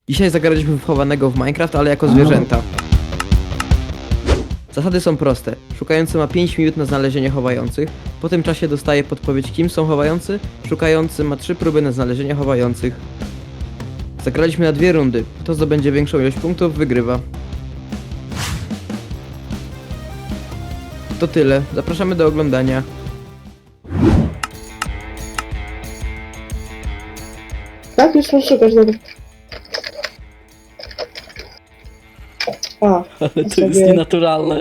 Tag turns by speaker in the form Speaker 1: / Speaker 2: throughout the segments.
Speaker 1: Dzisiaj zagraliśmy w chowanego w Minecraft, ale jako zwierzęta. Zasady są proste. Szukający ma 5 minut na znalezienie chowających. Po tym czasie dostaje podpowiedź, kim są chowający. Szukający ma 3 próby na znalezienie chowających. Zagraliśmy na 2 rundy. Kto zdobędzie większą ilość punktów, wygrywa. To tyle. Zapraszamy do oglądania.
Speaker 2: Tak, już mam szukać, dobra. A,
Speaker 3: Ale to jest
Speaker 2: sobie-
Speaker 3: nienaturalne.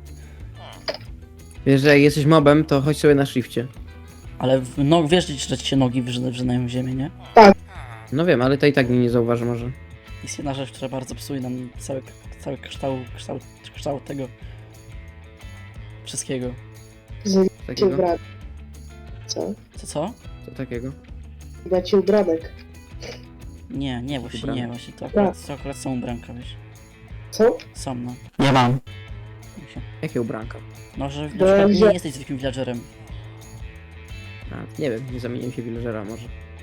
Speaker 1: Wiesz, że jak jesteś mobem, to chodź sobie na shifcie.
Speaker 3: Ale wiesz, że ci się nogi wrzynają w ziemię, nie?
Speaker 1: No wiem, ale to i tak mnie nie zauważy może.
Speaker 3: Jest jedna rzecz, która bardzo psuje nam cały kształt tego wszystkiego.
Speaker 2: Zmienię ci
Speaker 1: Takiego?
Speaker 2: ubranek. Co?
Speaker 3: Co?
Speaker 1: Co takiego?
Speaker 2: Dać ci ubranek.
Speaker 3: Nie, właśnie
Speaker 1: Ubranek.
Speaker 3: nie, właśnie to
Speaker 2: Tak.
Speaker 3: akurat są ubranka, wiesz.
Speaker 2: Co?
Speaker 3: Są, no. Nie mam.
Speaker 1: Jakie ubranka?
Speaker 3: No, że na
Speaker 2: Bo
Speaker 3: przykład
Speaker 2: że-
Speaker 3: nie jesteś zwykłym villagerem.
Speaker 1: A, nie wiem, nie zamieniłem się w villagera może.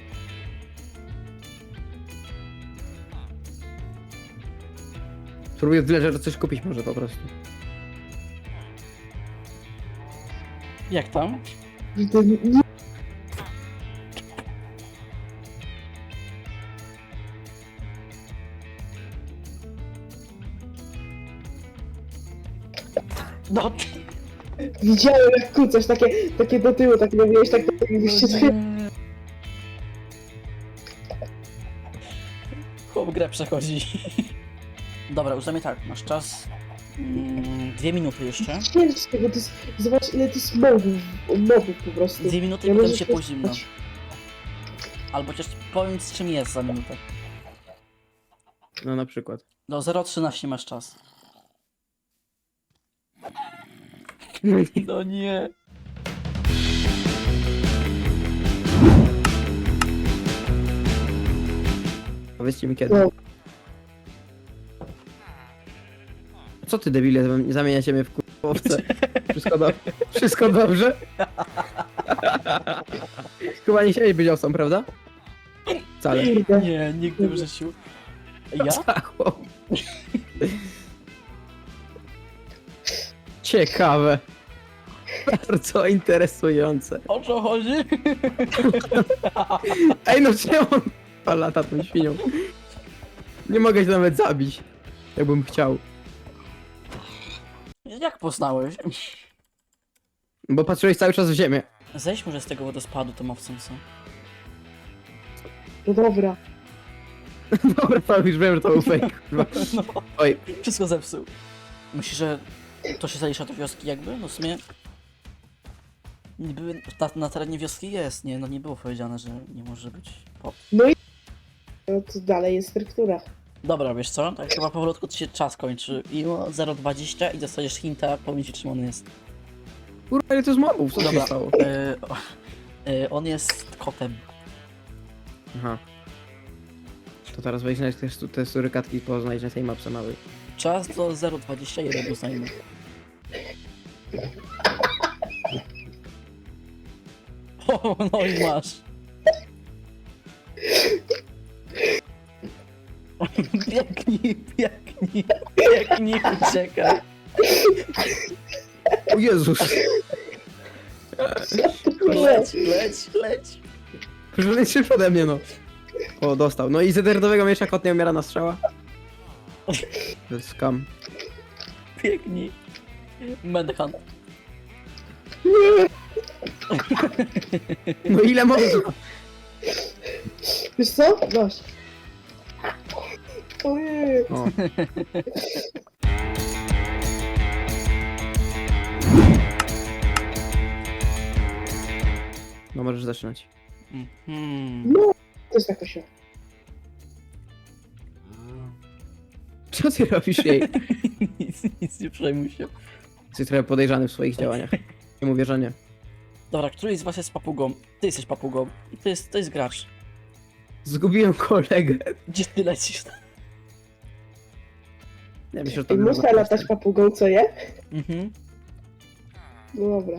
Speaker 1: Spróbuję w villagera coś kupić może po prostu.
Speaker 3: Jak tam?
Speaker 2: Nie.
Speaker 3: No,
Speaker 2: Widziałem jak kucasz, takie do tyłu, tak robiłeś, tak jakbyś się schylił.
Speaker 3: Chłop grę przechodzi. Dobra, uznajmy tak, masz czas 2 minuty jeszcze.
Speaker 2: Ciężkie, bo to jest, zobacz ile to jest mobów po prostu.
Speaker 3: 2 minuty
Speaker 2: Ja
Speaker 3: i potem
Speaker 2: może
Speaker 3: się
Speaker 2: się
Speaker 3: pójść zimno.
Speaker 2: spać.
Speaker 3: Albo chociaż powiem z czym jest za minutę.
Speaker 1: No na przykład.
Speaker 3: Do 0,13 masz czas. No nie.
Speaker 1: Powiedzcie mi kiedy.
Speaker 2: No.
Speaker 1: Co ty debile, zamieniacie mnie w kurwowce? Wszystko dobrze? Chyba nie chciałeś być owcą, prawda? Wcale.
Speaker 2: Kurde.
Speaker 3: Nie, nigdy w życiu. Ja?
Speaker 1: Zachło. Ciekawe. Bardzo interesujące.
Speaker 3: O co chodzi?
Speaker 1: Ej no czemu on lata tą świnią? Nie mogę się nawet zabić. Jakbym chciał.
Speaker 3: Jak poznałeś?
Speaker 1: Bo patrzyłeś cały czas w ziemię.
Speaker 3: Zejdź może z tego wodospadu tą owcą, co?
Speaker 2: No dobra.
Speaker 1: Dobra, to już wiem, że to był fake. kurwa.
Speaker 3: No,
Speaker 1: Oj,
Speaker 3: wszystko zepsuł. Myślisz, że to się zalicza do wioski jakby? No w sumie... Niby na terenie wioski jest, nie? No nie było powiedziane, że nie może być pop.
Speaker 2: No to dalej jest struktura.
Speaker 3: Dobra, wiesz co? Tak chyba powolutku ci się czas kończy. I o 0,20 i dostajesz hinta, powiem ci czym on jest.
Speaker 1: kurwa, ile to jest mobów? Co się
Speaker 3: Dobra.
Speaker 1: stało?
Speaker 3: On jest kotem.
Speaker 1: Aha. To teraz wejdź na te surykatki i poznajdź na tej mapce małej.
Speaker 3: Czas do 0,21 uznajmy. O, no i masz. Biegnij, uciekaj.
Speaker 1: O Jezus!
Speaker 3: Leć.
Speaker 1: Że szybko ode mnie, no. O, dostał. No i z eternowego miecza kot nie umiera na strzała. To jest skam.
Speaker 3: Biegnij. Manhunt.
Speaker 1: No ile można?
Speaker 2: Wiesz co? Masz. Ojej.
Speaker 1: O. No możesz zaczynać.
Speaker 3: Mhm.
Speaker 2: No, to jest taka się.
Speaker 1: Co ty robisz jej?
Speaker 3: Nic nie przejmuj się.
Speaker 1: Jesteś trochę podejrzany w swoich działaniach. Nie mówię, że nie.
Speaker 3: Dobra, któryś z was jest papugą? Ty jesteś papugą. I to jest gracz.
Speaker 1: Zgubiłem kolegę.
Speaker 3: Gdzie ty lecisz?
Speaker 1: Nie myślę, że to
Speaker 2: I
Speaker 1: było
Speaker 2: muszę latać papugą, co je?
Speaker 3: Mhm.
Speaker 2: No dobra.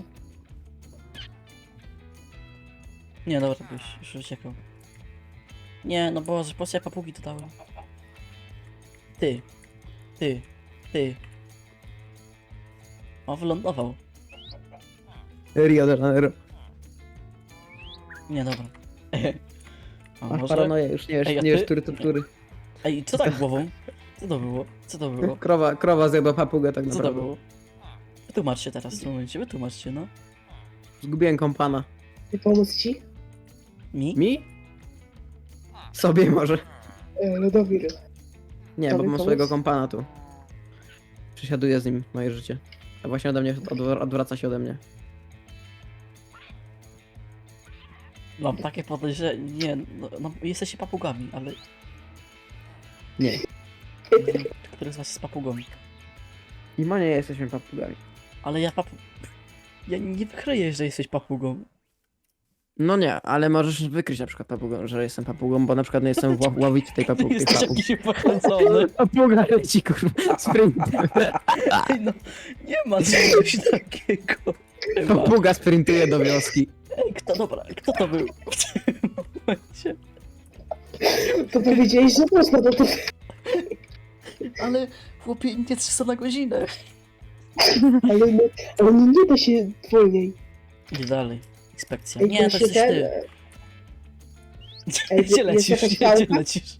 Speaker 3: Nie, dobra, byś już uciekał. Nie, no bo po co ja papugi dodałem? Ty. Ty. Ty. O, wylądował.
Speaker 1: Rio de Janeiro.
Speaker 3: Nie, dobra. A
Speaker 1: Masz
Speaker 3: może...
Speaker 1: paranoję, już nie wiesz,
Speaker 3: Ej, a
Speaker 1: nie wiesz,
Speaker 3: ty?
Speaker 1: który to który.
Speaker 3: Ej, co tak głową? Co to było? Co to było?
Speaker 1: Krowa zjadła papugę tak
Speaker 3: Co to
Speaker 1: naprawdę.
Speaker 3: było? Wytłumaczcie teraz w tym momencie, wytłumaczcie, no.
Speaker 1: Zgubiłem kompana.
Speaker 2: Nie pomóc ci?
Speaker 1: Mi? Sobie może.
Speaker 2: Lodowir.
Speaker 1: Nie, bo
Speaker 2: Tobie
Speaker 1: mam
Speaker 2: pomóc?
Speaker 1: swojego kompana tu. Przesiaduję z nim moje życie. A właśnie ode mnie odwraca się ode mnie.
Speaker 3: Mam takie podejrzenie, nie, no jesteście papugami, ale...
Speaker 1: Nie.
Speaker 3: Który z was jest papugą?
Speaker 1: I ma nie jesteśmy papugami.
Speaker 3: Ale ja Ja nie wykryję, że jesteś papugą.
Speaker 1: No nie, ale możesz wykryć na przykład papugą, że jestem papugą, bo na przykład nie jestem ławić tej papugi.
Speaker 3: Jesteś jakiś pochęcony.
Speaker 1: Papuga leci kurwa sprintem.
Speaker 3: Ej, no, nie ma czegoś takiego. Chyba.
Speaker 1: Papuga sprintuje do wioski.
Speaker 3: Ej, kto to był w tym momencie?
Speaker 2: To powiedziałeś, że można, to
Speaker 3: Ale chłopie, nie 300 na godzinę.
Speaker 2: ale nie da się wolniej.
Speaker 3: Idę dalej. Inspekcja.
Speaker 2: Ej,
Speaker 3: Nie, to jesteś ty.
Speaker 2: Ej,
Speaker 3: Gdzie
Speaker 2: jest
Speaker 3: lecisz?
Speaker 2: jakaś
Speaker 3: Gdzie
Speaker 2: pałka?
Speaker 3: lecisz?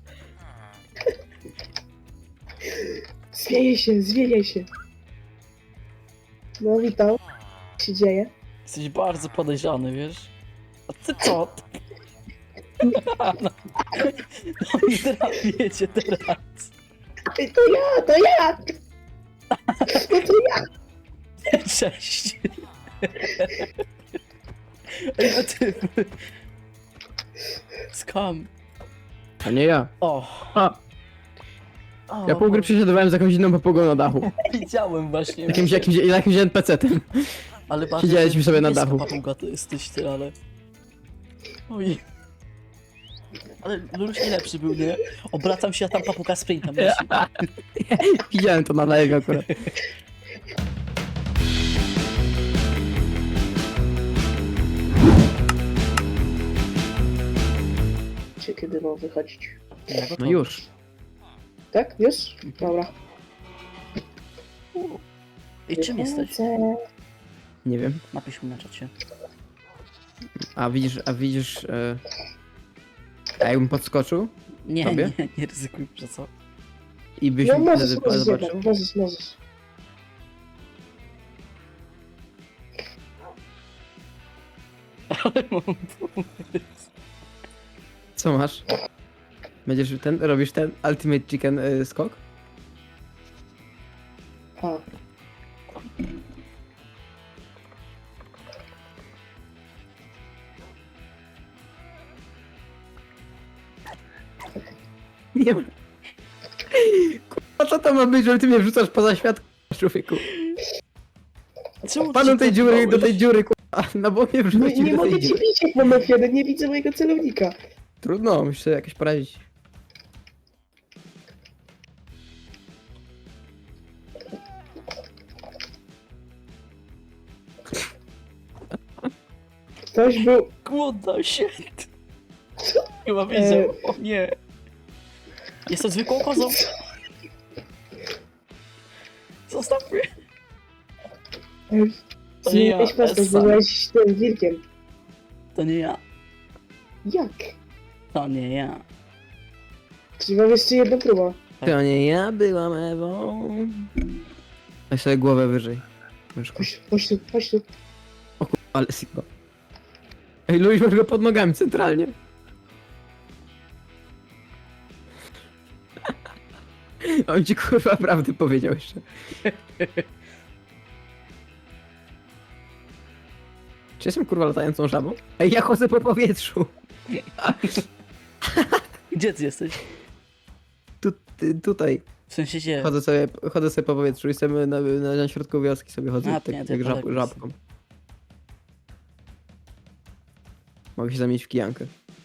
Speaker 2: Zwieje się. No witam. Co się dzieje?
Speaker 3: Jesteś bardzo podejrzany, wiesz? A ty co? No i trafiecie teraz.
Speaker 2: Ej, to ja! No to ja!
Speaker 3: Cześć. Ej, no ty... Skam.
Speaker 1: A nie ja.
Speaker 3: O.
Speaker 1: A,
Speaker 3: O,
Speaker 1: ja pół gry przesiadowałem z jakąś inną papugą na dachu.
Speaker 3: Widziałem właśnie.
Speaker 1: Jakimś NPC-tem.
Speaker 3: Ale bardziej
Speaker 1: Siedzieliśmy sobie na
Speaker 3: niebieska
Speaker 1: dachu.
Speaker 3: papuga to jesteś ty, ale... Oj. Ale Luluś nie lepszy był, nie? Obracam się, a tam papuga sprintem leci.
Speaker 1: Widziałem to na live akurat.
Speaker 2: Czy kiedy mam wychodzić?
Speaker 1: No już.
Speaker 2: Tak? Już? Dobra.
Speaker 3: I czym jesteś?
Speaker 2: Wychodzę.
Speaker 1: Nie wiem.
Speaker 3: Napisz mi na czacie.
Speaker 1: A widzisz... A jakbym podskoczył
Speaker 3: Nie,
Speaker 1: Tobie?
Speaker 3: nie ryzykuj, że co?
Speaker 1: i byś
Speaker 2: No
Speaker 1: mi
Speaker 2: możesz,
Speaker 1: wtedy
Speaker 2: możesz,
Speaker 1: zobaczył?
Speaker 2: jednak, możesz.
Speaker 3: Ale mam pomysł.
Speaker 1: Co masz? Robisz ten Ultimate Chicken skok?
Speaker 2: A,
Speaker 1: Nie wiem. Kurwa, co to ma być, że ty mnie wrzucasz poza świat, człowieku?
Speaker 3: Czemu
Speaker 1: Panu
Speaker 3: ty
Speaker 1: tej
Speaker 3: się
Speaker 1: dziury, do
Speaker 3: boisz?
Speaker 1: tej dziury, kurwa. No bo mnie
Speaker 2: nie,
Speaker 1: wrzucił
Speaker 2: nie
Speaker 1: do
Speaker 2: mogę
Speaker 1: tej
Speaker 2: ci
Speaker 1: dziury.
Speaker 2: bić jak mam F1, nie widzę mojego celownika.
Speaker 1: Trudno, musisz sobie jakoś poradzić.
Speaker 2: Ktoś był...
Speaker 3: Głodna się. Chyba widział. O nie. Jestem zwykłą kozą. Zostaw mnie. To nie ja,
Speaker 2: Zmieniłeś postać,
Speaker 3: Essa.
Speaker 2: byłeś tym wilkiem.
Speaker 3: To nie ja.
Speaker 2: Jak?
Speaker 3: To nie ja.
Speaker 2: Czyli mam jeszcze jedną próbę.
Speaker 1: To nie ja byłam Ewą. Weź sobie głowę wyżej. Myszko.
Speaker 2: Chodź tu.
Speaker 1: Ale sigma. Ej, Luis, masz go pod nogami centralnie. On ci kurwa prawdę powiedział jeszcze. Czy jestem kurwa latającą żabą? Ej, ja chodzę po powietrzu.
Speaker 3: Gdzie ty jesteś?
Speaker 1: Tutaj.
Speaker 3: W sensie gdzie?
Speaker 1: Chodzę sobie po powietrzu i sobie na środku wioski sobie chodzę,
Speaker 3: A,
Speaker 1: tak
Speaker 3: nie, to
Speaker 1: jak
Speaker 3: ja daleko
Speaker 1: żabką. Mogę się zamienić w kijankę.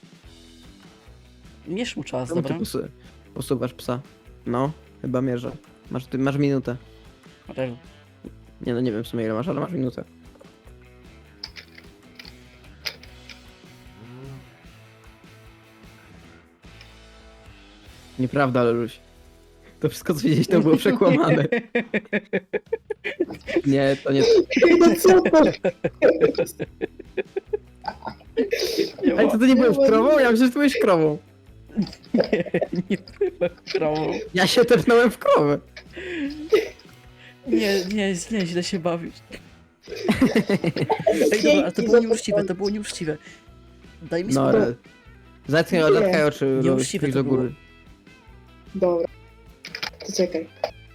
Speaker 3: Mierz mu czas,
Speaker 1: Czemu ty
Speaker 3: dobra?
Speaker 1: posuwasz psa? No, chyba mierzę. Masz minutę.
Speaker 3: Okej.
Speaker 1: Nie no, nie wiem w sumie ile masz, ale masz minutę. Nieprawda, Leluś. To wszystko, co widziałeś, to było przekłamane. Nie, to nie...
Speaker 2: No co to?
Speaker 1: Ale to ty nie byłeś krową? Ja myślę, że ty byłeś krową.
Speaker 3: Nie byłem krową.
Speaker 1: Ja się tepnąłem w krowę.
Speaker 3: Nie, źle się bawisz. Ej, dobra, ale to było nieuczciwe, to było nieuczciwe. Daj mi
Speaker 1: No,
Speaker 3: spokój.
Speaker 1: ale... Zatkaj oczy,
Speaker 3: Nieuczciwe
Speaker 1: spójrz
Speaker 3: to
Speaker 1: do góry.
Speaker 2: Dobra. To czekaj.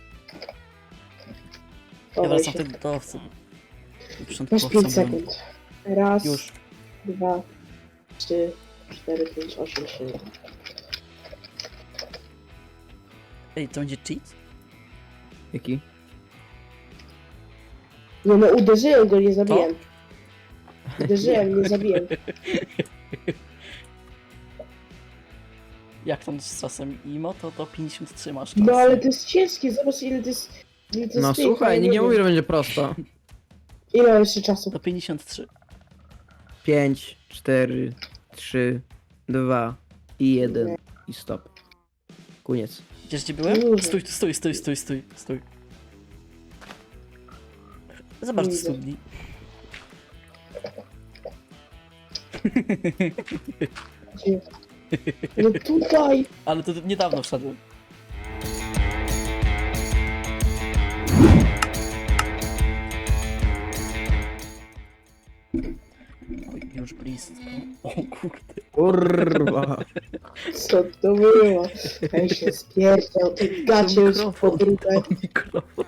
Speaker 3: Ja
Speaker 2: Chowaj
Speaker 3: wracam
Speaker 2: się.
Speaker 3: wtedy do owcy.
Speaker 2: Masz 5 sekund. Raz,
Speaker 3: Już.
Speaker 2: 2, 3, 4, 5, 8, 7.
Speaker 3: Ej, to będzie cheat?
Speaker 1: Jaki?
Speaker 2: Nie no, uderzyłem go, nie zabiłem. Uderzyłem, nie zabiłem.
Speaker 3: Jak tam z czasem IMO, to 53 masz czas.
Speaker 2: No ale to jest ciężkie, zobacz ile to jest... Ile to jest
Speaker 1: No
Speaker 2: tych,
Speaker 1: słuchaj,
Speaker 2: ja
Speaker 1: nikt nie
Speaker 2: wiem.
Speaker 1: mówi, że będzie prosto.
Speaker 2: Ile mam jeszcze czasu?
Speaker 3: To 53.
Speaker 1: 5, 4, 3, 2 i 1 i stop. Koniec.
Speaker 3: Wiesz gdzie byłem?
Speaker 2: Kurde.
Speaker 3: Stój. Zobacz do
Speaker 2: Kurde.
Speaker 3: studni.
Speaker 2: Gdzie? No tutaj!
Speaker 3: Ale to niedawno wszedłem. Oj, już blisko. O kurde.
Speaker 1: Kurwa.
Speaker 2: Co to było? Ej się spierdział, ty gacie już podrugaj.
Speaker 3: To mikrofon.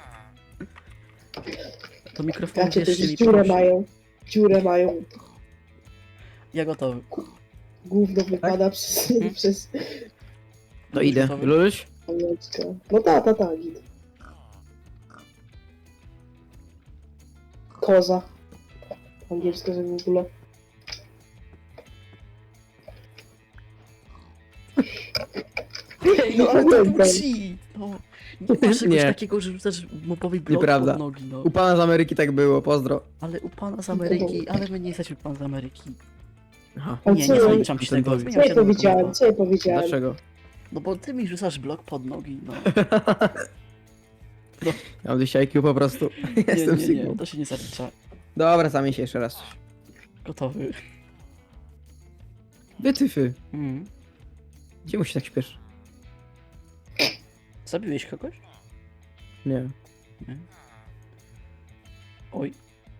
Speaker 3: To mikrofon
Speaker 2: Gacie to
Speaker 3: jeszcze
Speaker 2: już
Speaker 3: mi
Speaker 2: dziurę
Speaker 3: prosi.
Speaker 2: mają. Dziurę mają.
Speaker 3: Ja gotowy.
Speaker 2: Gówno wypada przez
Speaker 1: To idę.
Speaker 3: Gotowy?
Speaker 1: Luluś?
Speaker 2: pamiątkę. No ta, git. Koza. Angielska, że w ogóle.
Speaker 3: Ej,
Speaker 2: No,
Speaker 3: no
Speaker 2: ale
Speaker 3: ale
Speaker 2: to
Speaker 3: to
Speaker 2: jest
Speaker 3: cheat. No. Nie masz czegoś
Speaker 1: Nie.
Speaker 3: takiego, że rzucasz mobowi blok
Speaker 1: Nieprawda.
Speaker 3: pod nogi, no.
Speaker 1: U pana z Ameryki tak było, pozdro.
Speaker 3: Ale u pana z Ameryki, ale my nie jesteśmy pan z Ameryki.
Speaker 1: Aha.
Speaker 2: A
Speaker 3: Nie,
Speaker 2: co
Speaker 3: nie
Speaker 2: ja-
Speaker 3: zaliczam ci
Speaker 1: Ten
Speaker 3: tego,
Speaker 1: to-
Speaker 3: zmieniam
Speaker 2: Co ja
Speaker 3: się na
Speaker 2: powiedziałem?
Speaker 3: nowego.
Speaker 2: Co ja powiedziałem?
Speaker 1: Dlaczego?
Speaker 3: No bo ty mi rzucasz blok pod nogi, no.
Speaker 1: Ja mam 200 IQ po prostu. Jestem
Speaker 3: Nie,
Speaker 1: Sigmą.
Speaker 3: to się nie zalicza.
Speaker 1: Dobra, zamień się jeszcze raz.
Speaker 3: Gotowy.
Speaker 1: Wytyfy.
Speaker 3: Mm.
Speaker 1: Gdzie mu się tak śpieszy?
Speaker 3: Zabiłeś kogoś?
Speaker 1: Nie.
Speaker 3: Nie. Oj.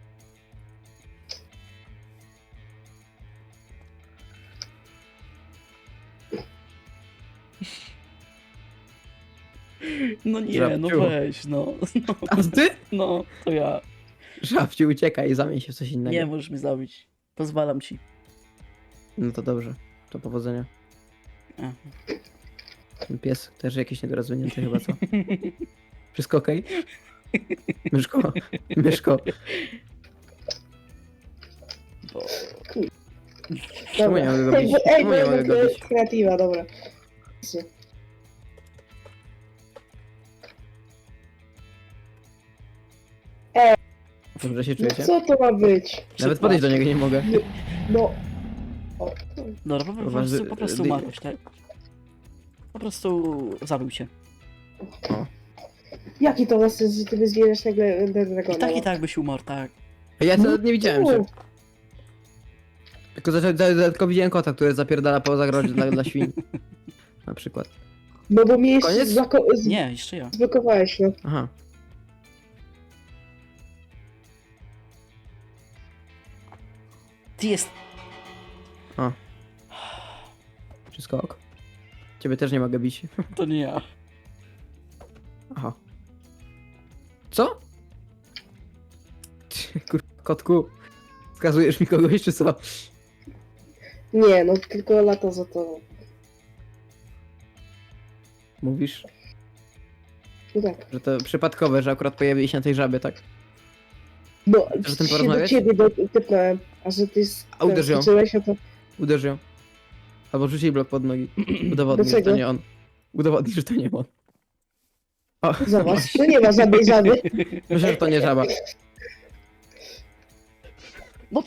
Speaker 3: No nie, no
Speaker 1: Żabciu.
Speaker 3: weź, no.
Speaker 1: A ty?
Speaker 3: No, to ja.
Speaker 1: Żabci, uciekaj i zamień się w coś innego.
Speaker 3: Nie możesz mnie zabić. Pozwalam ci.
Speaker 1: No to dobrze. To powodzenia.
Speaker 3: Aha.
Speaker 1: Ten pies też jakiś niedorozwinięty chyba, co? Wszystko okej? Myszko, myszko.
Speaker 3: Bo...
Speaker 1: Czemu nie mogę go
Speaker 2: Ej,
Speaker 1: bić?
Speaker 2: bo- ej,
Speaker 1: Czemu
Speaker 2: bo
Speaker 1: nie mogę
Speaker 2: jednak to
Speaker 1: go
Speaker 2: jest
Speaker 1: bić?
Speaker 2: kreatywa, dobra.
Speaker 1: Dobrze się
Speaker 2: No
Speaker 1: czujecie?
Speaker 2: co to ma być?
Speaker 1: Nawet podejść do niego nie mogę.
Speaker 2: No. O,
Speaker 3: Dobra, po prostu
Speaker 1: dy-
Speaker 3: umarłeś, tak? Po prostu zabił cię.
Speaker 2: jaki to ma sens, że ty wyzwierasz nagle dragona?
Speaker 3: I tak byś umarł, tak.
Speaker 1: Ja nawet nie widziałem
Speaker 2: No,
Speaker 1: się. Tylko widziałem kota, który zapierdala po zagrodzie dla świń. Na przykład.
Speaker 2: No bo mnie jeszcze
Speaker 1: Koniec?
Speaker 3: Nie, jeszcze ja.
Speaker 2: zblokowałeś, no.
Speaker 1: Aha.
Speaker 3: Ty jest...
Speaker 1: Wszystko ok. Ciebie też nie mogę bić.
Speaker 3: To nie ja.
Speaker 1: Aha. Co? Kurwa, kotku. Wskazujesz mi kogoś, czy co?
Speaker 2: Nie, no tylko lata za to.
Speaker 1: Mówisz,
Speaker 2: No tak.
Speaker 1: że to przypadkowe, że akurat pojawili się na tej żabie, tak?
Speaker 2: No,
Speaker 1: Chcesz o tym
Speaker 2: się do
Speaker 1: porozmawiać?
Speaker 2: ciebie typnąłem, a że ty
Speaker 1: A uderz ją.
Speaker 2: skoczyłeś, no to...
Speaker 1: Uderz ją. Albo rzuć jej blok pod nogi. Udowodnij, że to
Speaker 2: Dlaczego?
Speaker 1: nie on. Udowodnij, że to nie on. O,
Speaker 2: Zobacz, no nie ma żadnej żaby.
Speaker 1: myślę, że to nie żaba.
Speaker 3: No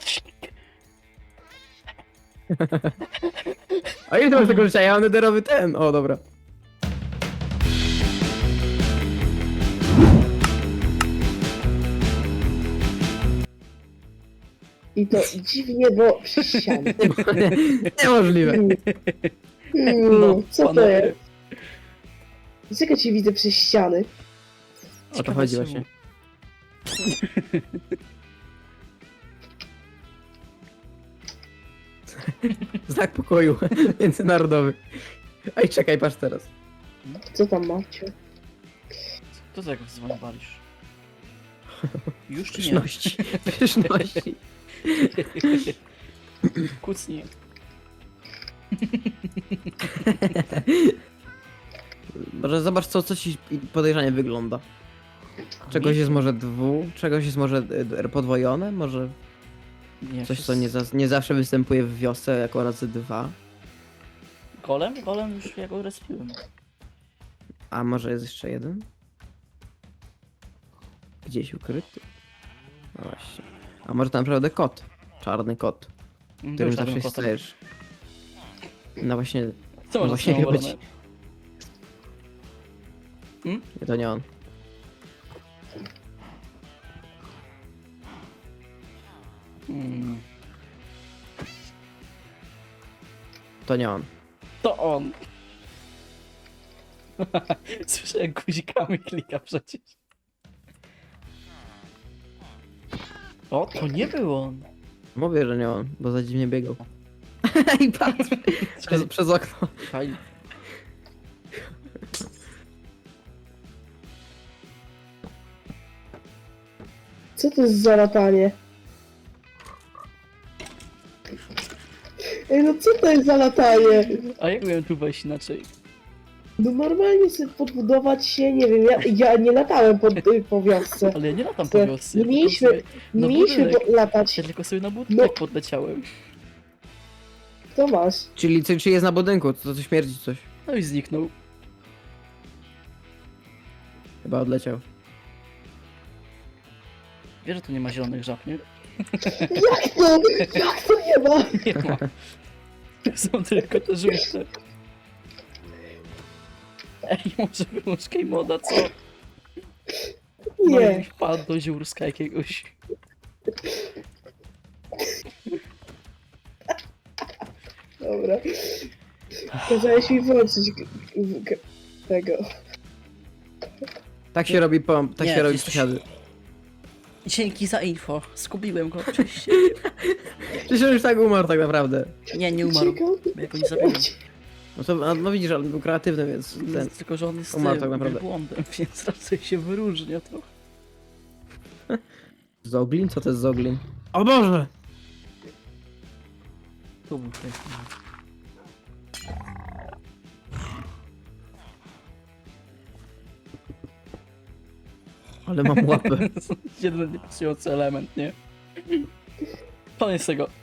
Speaker 1: A ile ty masz tego życia? Ja mam nederowy ten. O, dobra.
Speaker 2: I to dziwnie, bo przez ścianę.
Speaker 1: Niemożliwe.
Speaker 2: Co to
Speaker 3: panowie.
Speaker 2: jest? Dlaczego cię widzę przez ściany?
Speaker 1: O to
Speaker 3: Ciekawe
Speaker 1: chodzi
Speaker 3: czemu.
Speaker 1: właśnie. Znak pokoju międzynarodowy. Ej, czekaj, patrz teraz.
Speaker 2: Co tam macie?
Speaker 3: Co tak zwaniwalisz? Już czy nie?
Speaker 1: Pyszności. Pyszności.
Speaker 3: Kucnij.
Speaker 1: Może zobacz, co ci podejrzanie wygląda. Czegoś jest może czegoś jest może podwojone, może
Speaker 3: Nie,
Speaker 1: coś, co nie zawsze występuje w wiosce jako razy 2.
Speaker 3: Golem? Golem już ja go respiłem.
Speaker 1: A może jest jeszcze jeden? Gdzieś ukryty? No właśnie. A może to naprawdę kot? Czarny kot, którym zawsze się stajesz. No właśnie,
Speaker 3: Co
Speaker 1: no
Speaker 3: może
Speaker 1: właśnie
Speaker 3: być?
Speaker 1: chyba ci... Nie, to nie on. To nie on.
Speaker 3: To on. Słyszę jak guzikami klika przecież. O, to nie był on.
Speaker 1: Mówię, że nie on, bo za dziwnie biegał. I patrz! Przez okno.
Speaker 3: Fajnie.
Speaker 2: Co to jest za latanie? Ej, no co to jest za latanie?
Speaker 3: A jak miałem tu wejść inaczej?
Speaker 2: No normalnie sobie podbudować się, nie wiem, ja nie latałem po wiosce.
Speaker 3: Ale ja nie latam
Speaker 2: Co?
Speaker 3: po wiosce.
Speaker 2: Nie
Speaker 3: ja
Speaker 2: mieliśmy-
Speaker 3: tylko sobie
Speaker 2: Nie
Speaker 3: na
Speaker 2: mieliśmy
Speaker 3: budynek.
Speaker 2: latać.
Speaker 3: Ja tylko sobie na budynek
Speaker 2: No.
Speaker 3: podleciałem.
Speaker 2: To masz.
Speaker 1: Czyli jest na budynku, to śmierdzi coś.
Speaker 3: No i zniknął.
Speaker 1: Chyba odleciał.
Speaker 3: Wiesz, że tu nie ma zielonych żab, nie?
Speaker 2: Jak to? Jak to nie ma?
Speaker 3: Nie ma. Są tylko te żółte. Ej, może wyłącz moda, co? No i
Speaker 2: Nie.
Speaker 3: wpadł do ziórska jakiegoś.
Speaker 2: Dobra. Kazałeś mi włączyć tego.
Speaker 1: Tak się robi tak
Speaker 3: Nie,
Speaker 1: się robi
Speaker 3: jesteś-
Speaker 1: przysiady.
Speaker 3: Dzięki za info. Zgubiłem go oczywiście.
Speaker 1: Przecież on już tak umarł tak naprawdę.
Speaker 3: Nie, nie umarł.
Speaker 2: Uciekał.
Speaker 3: Bo ja go nie zabiłem.
Speaker 1: No to, no widzisz, ale był kreatywny, więc ten...
Speaker 3: Tylko, że on jest
Speaker 1: umarł tak naprawdę.
Speaker 3: błądem, więc raczej się wyróżnia trochę.
Speaker 1: Zoglin? Co to jest Zoglin? O Boże!
Speaker 3: Tu był ten.
Speaker 1: Ale mam łapę.
Speaker 3: Jeden niepasujący element, nie? Koniec tego.